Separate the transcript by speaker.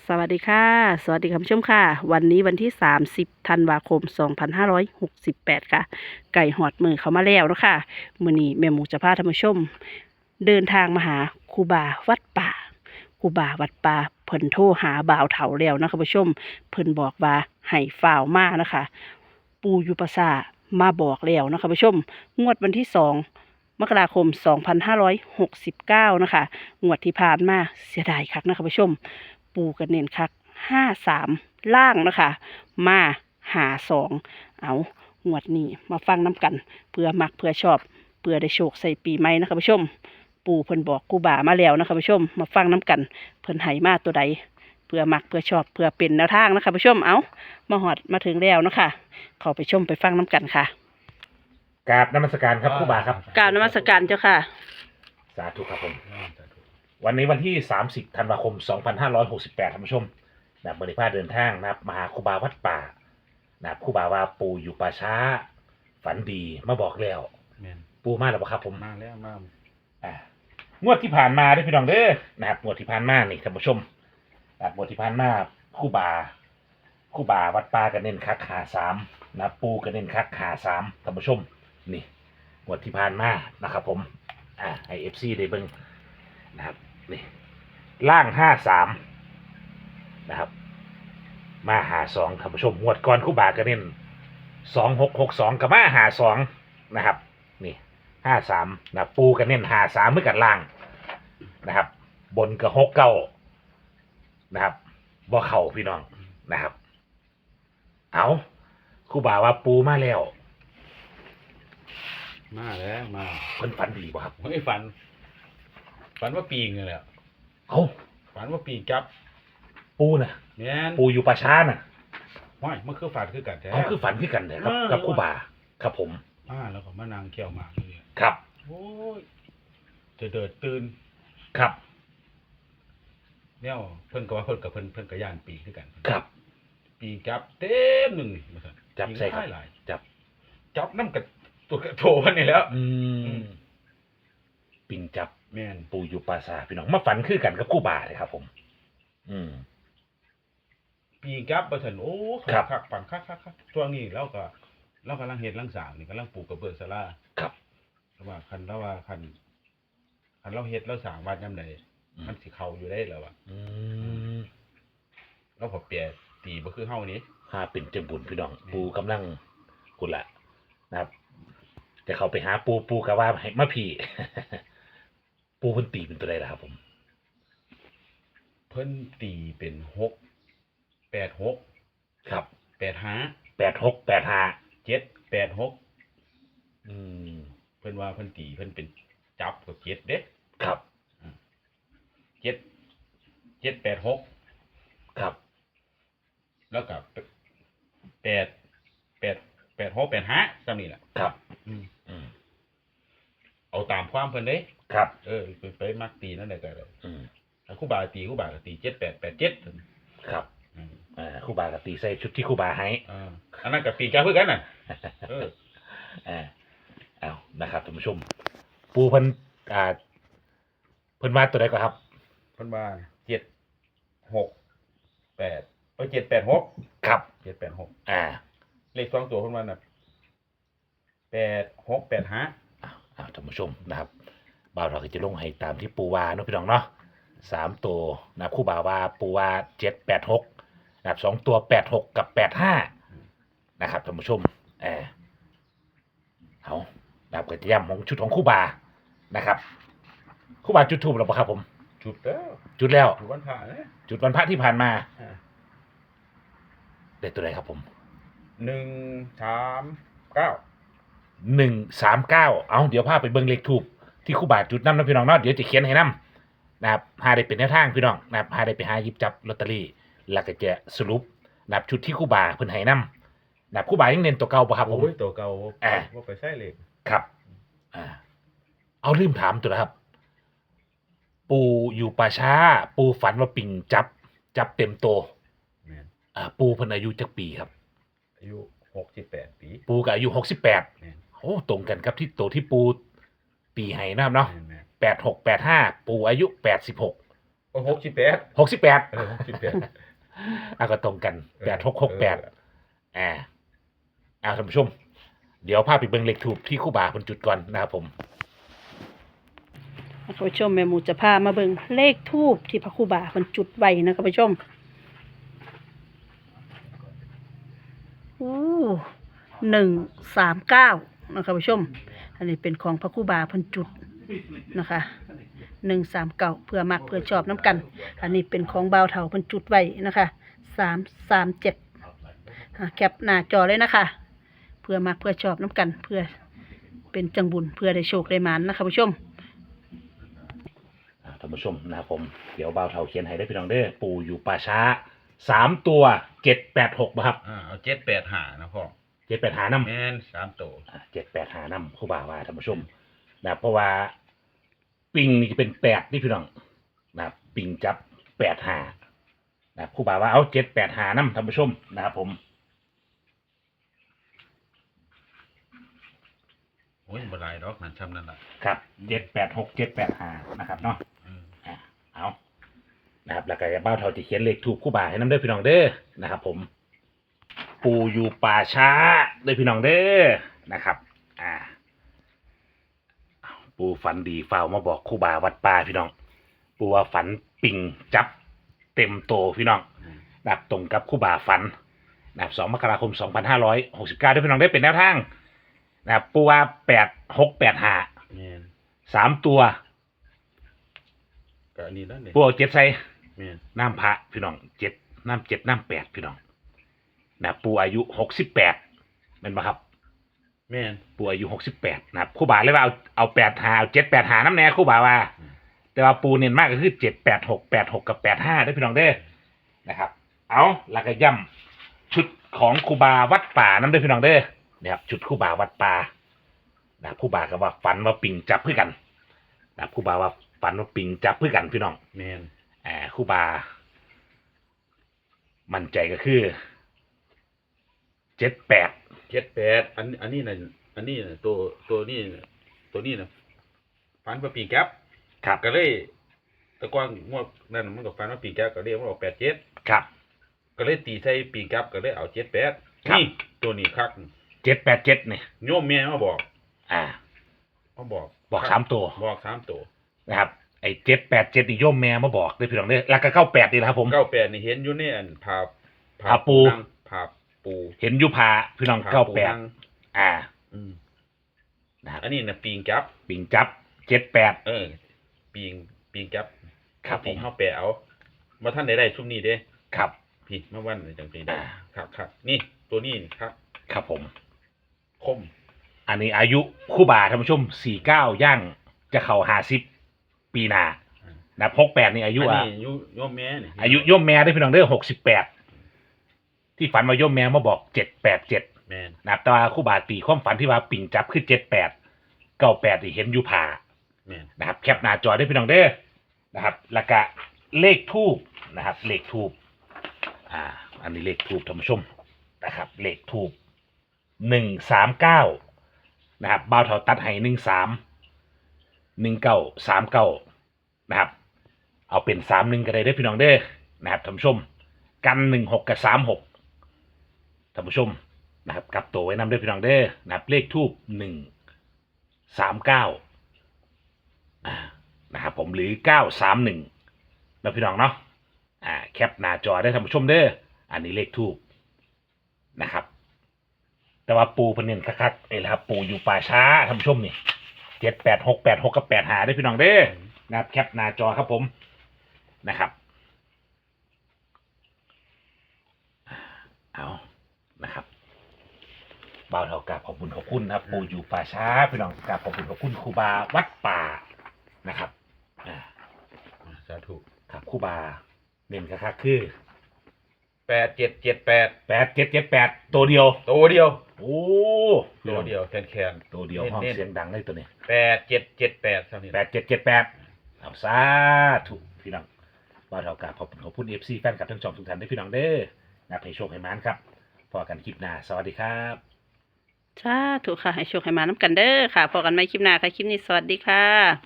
Speaker 1: สวัสดีค่ะสวัสดีคุณผู้ชมค่ะวันนี้วันที่30ธันวาคม2568ค่ะไก่หอดมือเขามาแล้วเนาะค่ะมื้อนี้แม่หมูจะพาท่านผู้ชมเดินทางมาหาครูบาวัดป่าครูบาวัดป่าเพิ่นโทรหาบ่าวเฒ่าแล้วนะคะผู้ชมเพิ่นบอกว่าให้ฝ่าวมานะคะปู่อยู่ประสาทมาบอกแล้วนะคะผู้ชมงวดวันที่2มกราคม2569นะคะงวดที่ผ่านมาเสียดายคักนะคะผู้ชม ปูกันเน้นคัก53ล่างนะคะมา52เอางวดนี้มาฟังน้ำกันเพื่อมักเพื่อชอบเพื่อได้โชคใส่ปีใหม่นะคะผู้ชมปูเพิ่นบอกกูบ่ามาแล้วนะคะผู้ชมมาฟังน้ำกันเพิ่นให้มาตัวใดเพื่อมักเพื่อชอบเพื่อเป็นแนวทางนะคะผู้ชมเอามาหอดมาถึงแล้วนะคะเข้าไปชมไปฟังน้ำกันค่ะ
Speaker 2: กราบนมัสการครับครูบาครับ
Speaker 1: กรารนมัสการเจ้าค่ะ
Speaker 2: สาธุครับผมวันนี้วันที่30ธันวาคม2568ท่านผู้ชมบริพาเดินทางนะครับมาหาครูบาวัดป่าครูบาว่าปู่อยู่ป่าช้าฝันดีมาบอกแล้วปู่มาแล้วบ่ครับผม
Speaker 3: มาแล้วมา
Speaker 2: งวดที่ผ่านมาได้พี่น้องเด้อนะครับงวดที่ผ่านมานี่ท่านผู้ชมงวดที่ผ่านมาครูบาวัดป่ากันเน้นคักหา3นะปู่กันเน้นคักหา3ท่านผู้ชมนี่งวดที่ผ่านมานะครับผมให้ FC ได้เบิ่งนะครับนี่ล่าง53นะครับมาหา2ท่านผู้ชมงวดก่อนครูบาก็เน้น2662กับมาหา2นะครับนี่53นะปูก็เน้น53เหมือนกันล่างนะครับบนก็69นะครับบ่เข้าพี่น้องนะครับเอาครูบาว่าปูมาแล้ว
Speaker 3: มา
Speaker 2: เพิ่นฝันดีบ่ครับ
Speaker 3: ไม่ฝันว่าปีงเลยแหละ
Speaker 2: เอา
Speaker 3: ฝันว่าปีจับ
Speaker 2: ปูน่ะ
Speaker 3: เนี่ย
Speaker 2: ปูอยู่ป่าช้าน่ะ
Speaker 3: ไม่มันคือฝันคือกันแท้
Speaker 2: เอาคือฝันคือกันเลยครับกับครูบาครับผม
Speaker 3: แล้วก็มานางเขี่ยวหมากเลย
Speaker 2: ครับ
Speaker 3: โอ้ยจะเดิดตื่น
Speaker 2: ครับ
Speaker 3: เนี่ยเพิ่นก็ว่าเพิ่นกับย่านปีคือกัน
Speaker 2: ครับ
Speaker 3: ปีจับเต็มหนึ่งมาสั่น
Speaker 2: จับใส่ครับ
Speaker 3: จับน้ำกับตัวกระโถนนี่แล้ว
Speaker 2: ปิงจับ
Speaker 3: แม่น
Speaker 2: ปูอยู่ป่าช้าพี่น้องมาฝันคือกันกับครูบาเลยครับผม
Speaker 3: ปีจับมาสั่นโอ้คักปั่นคักช่วงนี้เรากำลังเฮ็ดลังสางนี่กำลังปลูกกระเบื้องศาลา
Speaker 2: ครับ
Speaker 3: ว่าคันเราเฮ็ดเราสร้างวัดยามใดมันสิเข้าอยู่ได้แล้วอ่ะเราพอเปียตีบ่คือเฮานี้
Speaker 2: เป็นจังบุญพี่น้องปูกำลังกุละนะครับจะเข้าไปหาปูก็ว่าให้มาพี่ปูเพิ่นตีเป็นตัวใดล่ะครับผม
Speaker 3: เพิ่นตีเป็น686
Speaker 2: ครับ
Speaker 3: 85
Speaker 2: 8685
Speaker 3: 786เพิ่นว่าเพิ่นตีเพิ่นเป็นจับกับ7เด้
Speaker 2: ครับ
Speaker 3: 786
Speaker 2: ครับ
Speaker 3: แล้วก็8685ซ้ำนี่แหละ
Speaker 2: ครับ
Speaker 3: เอาตามความเพิ่นเด้
Speaker 2: ครับ
Speaker 3: ไปมักตีนั่นได้ก็ได้ถ้าครูบาก็ตี7887
Speaker 2: ครับครูบาก็ตีใส่ชุดที่ครูบาให้
Speaker 3: อันนั้นก็ปีจับคือกันน่ะ
Speaker 2: เอานะครับท่านผู้ชมปูเพิ่นว่าตัวใดก่อนครับ
Speaker 3: เพิ่นว่า786
Speaker 2: ครับ
Speaker 3: 786เลข2ตัวเพิ่นว่าน่ะ8685
Speaker 2: ท่านผู้ชมนะครับบ่าวเราก็จะลงให้ตามที่ปูว่าเนาะพี่น้องเนาะ3ตัวนะครูบาว่าปูว่า786นะครับ2ตัว86กับ85นะครับท่านผู้ชมเอานะครับก็จะย้ำของชุดของครูบานะครับครูบาจุดธูปแล้วป่ะครับผม
Speaker 3: จุดแล้ว
Speaker 2: จุดวันพระนะจุดวันพระที่ผ่านมาได้ตัวไหนครับผม
Speaker 3: 139
Speaker 2: เอาเดี๋ยวพาไปเบิ่งเลขธูปที่ครูบาจุดนำนะพี่น้องเนาะเดี๋ยวจะเขียนให้นำนะครับหาได้เป็นแนวทางพี่น้องนะครับหาได้ไปหาหยิบจับลอตเตอรี่แล้วก็จะสรุปนะครับชุดที่ครูบาเพิ่นให้นำนะครับครูบายังเน้นตัวเก่าป่ะครับผม
Speaker 3: ตัวเก่าว่าไปใส่เลข
Speaker 2: ครับเอาลืมถามตัวนะครับปูอยู่ป่าช้าปูฝันว่าปิงจับเต็มโตปูเพิ่นอายุจักปีครับ
Speaker 3: อายุ68ปี
Speaker 2: ปูก็อายุ68โอ้ตรงกันครับที่โตที่ปูปีให้นะครับเนาะ8685ปูอายุ86
Speaker 3: 68
Speaker 2: 68
Speaker 3: 68
Speaker 2: ก็ตรงกัน8668ท่านผู้ชม เดี๋ยวพาไปเบิ่งเลขทูปที่ครูบาเพิ่นจุดก่อนนะครับผม
Speaker 1: ท่านผู้ชมแม่หมูจะพามาเบิ่งเลขทูปที่พระครูบาเพิ่นจุดไว้นะท่านผู้ชม139นะคะท่านผู้ชม อันนี้เป็นของพระครูบาเพิ่นจุดนะคะ139เพื่อมักเพื่อชอบน้ำกัน อันนี้เป็นของบ่าวเฒ่าเพิ่นจุดไว้นะคะ337แคปหน้าจอเลยนะคะ เพื่อมักเพื่อชอบน้ำกัน เพื่อเป็นจังบุญเพื่อได้โชคได้หมานนะคะผู้ชม
Speaker 2: ท่านผู้ชมนะครับผมเดี๋ยวบ่าวเฒ่าเขียนให้ได้พี่น้องเด้อปู่อยู่ป่าช้า3ตัว786บ่ครับ
Speaker 3: เอา785นะพ่อ
Speaker 2: 785นำ
Speaker 3: แม่น3ตัว
Speaker 2: 785นำครูบาว่าท่านผู้ชมนะครับเพราะว่าปิงนี่เป็น8นี่พี่น้องนะครับปิงจับ85นะครับครูบาว่าเอา785นำท่านผู้ชมนะครับผม
Speaker 3: โอ้ยบ่หลายดอกนั่นซ้ำนั่นล่ะ
Speaker 2: ครับ786 785นะครับเนาะ เอานะครับแล้วก็บ้าวเท่าจะเขียนเลขถูกคู่บ่าให้น้ำเด้อพี่น้องเด้อนะครับผมปูอยู่ป่าช้าเด้อพี่น้องเด้อนะครับปูฝันดีฝ่าวมาบอกคู่บ่าวัดป่าพี่น้องปูว่าฝันปิงจับเต็มโตพี่น้องนะครับตรงกับคู่บ่าฝันนะครับ2 มกราคม 2569ด้วยพี่น้องได้เป็นแนวทางนะครับปูว่า8685
Speaker 3: แม่น
Speaker 2: 3 ตัว
Speaker 3: ก็อันนี้นั่นนี่
Speaker 2: ปูเอา7ใส่
Speaker 3: แม่น
Speaker 2: น้ำพระพี่น้อง7น้ำ7น้ำ8พี่น้องนะปูอายุ68เป็นปะครับ
Speaker 3: แม่น
Speaker 2: ปูอายุ68นะครับครูบาเลยว่าเอา8หาเอา7 8หาน้ำแน่ครูบาว่า แต่ว่าปูเน้นมากก็คือ7 8 6 8 6กับ85ได้พี่น้องเด้อนะครับเอาแล้วก็ย่ำชุดของครูบาวัดป่าน้ำเด้อพี่น้องเด้อนะครับชุดครูบาวัดป่านะครูบาก็ว่าฝันว่าปิงจับเพื่อกันนะครูบาว่าฝันว่าปิงจับเพื่อกันพี่น้อง
Speaker 3: แม่น
Speaker 2: ครูบามั่นใจก็คือ78
Speaker 3: 78อันนี้น่ะอันนี้น่ะตัวนี้น่ะตัวนี้น่ะฟันว่าปีแก๊ป
Speaker 2: ครับ
Speaker 3: ก็เลยแตะกอนงวดนั่นมันก็ฟันว่าปีแก๊ปก็เลยมันออก87
Speaker 2: ครับ
Speaker 3: ก็เลยตีใส่ปีแก๊ปก็เลยเอา78
Speaker 2: ครับ
Speaker 3: นี่ตัวนี้คัก
Speaker 2: 787เนี่ย
Speaker 3: โยมแม่มาบอก มาบอก
Speaker 2: บอก3ตัว
Speaker 3: บอก3ตัว
Speaker 2: นะครับไอ้787นี่โยมแม่มาบอกเลยพี่น้องเด้อแล้วก็98นี่แหละครับผม
Speaker 3: 98นี่เห็นอยู่ในอันผา
Speaker 2: ผาปู
Speaker 3: นั่งผาปู
Speaker 2: เห็นอยู่พาพี่น้อง
Speaker 3: ผาปูนั่ง
Speaker 2: 98
Speaker 3: อืม
Speaker 2: นะครับ
Speaker 3: อันนี้น่ะปีงจับ
Speaker 2: ปิงจับ78
Speaker 3: ปีงจับ
Speaker 2: ครับ
Speaker 3: ปีง
Speaker 2: ผม
Speaker 3: เฮาแปะเอาบ่ทันได้ชุมนี้เด้
Speaker 2: ครับ
Speaker 3: พี่มาวันจังซี่ได้
Speaker 2: อ่า
Speaker 3: ครับนี่ตัวนี้นี่ครับ
Speaker 2: ครับผม
Speaker 3: คม
Speaker 2: อันนี้อายุครู่บาท่านผู้ชม49ย่างจะเข้า50ปีหน้านะ68นี่อายุ
Speaker 3: อันนี้โยมแม่นี่
Speaker 2: อายุโยมแม่ได้พี่น้องเด้อ68ที่ฝันว่าโยมแม่มาบอก787
Speaker 3: แม่น
Speaker 2: นะครับแต่ว่าครู่บาตีความฝันที่ว่าปิ่งจับคือ78 98ที่เห็นอยู่ผ่า
Speaker 3: แม่น
Speaker 2: นะครับแคปหน้าจอได้พี่น้องเด้อนะครับแล้วก็เลขทูบนะครับเลขทูบอันนี้เลขทูบท่านผู้ชมนะครับเลขทูบ139นะครับบ่าวเท่าตัดให้13 1939นะครับเอาเป็น31ก็ได้เด้อพี่น้องเด้อนะครับท่านผู้ชมกัน16กับ36ท่านผู้ชมนะครับกลับตัวไว้นำเด้อพี่น้องเด้อนะครับเลขทูบ139นะครับผมหรือ931แล้วพี่น้องเนาะแคปหน้าจอได้ท่านผู้ชมเด้ออันนี้เลขทูบนะครับแต่ว่าปูเพิ่นเน้นคักๆนี่แหละครับปูอยู่ป่าช้าท่านผู้ชมนี่78686กับ85ได้พี่น้องเด้อนะครับแคปหน้าจอครับผมนะครับเอานะครับบ่าวเท่ากับขอบคุณนะครับปูอยู่ป่าช้าพี่น้องกับขอบคุณครูบาวัดป่านะครับ
Speaker 3: สาธุ
Speaker 2: ครับครูบาเน้นคักๆคือ
Speaker 3: 8778
Speaker 2: 8778ตัวเดียว
Speaker 3: ตัวเดียว
Speaker 2: โอ้
Speaker 3: ตัวเดียวแคน
Speaker 2: ตัวเดียวห้องเสียงดังเลยตัวนี้
Speaker 3: 8778เท่านี้
Speaker 2: 8778เอาซาถูกพี่น้องบ่าวเท่ากับขอบคุณ FC แฟนคลับทั้งสองทุกท่านด้วยพี่น้องเด้อนับให้โชคให้มานครับพอกันคลิปหน้าสวัสดีครับ
Speaker 1: สาธุค่ะ ให้โชคให้มาน้ำกันเด้อค่ะพอกันใหม่คลิปหน้าค่ะ คลิปนี้สวัสดีค่ะ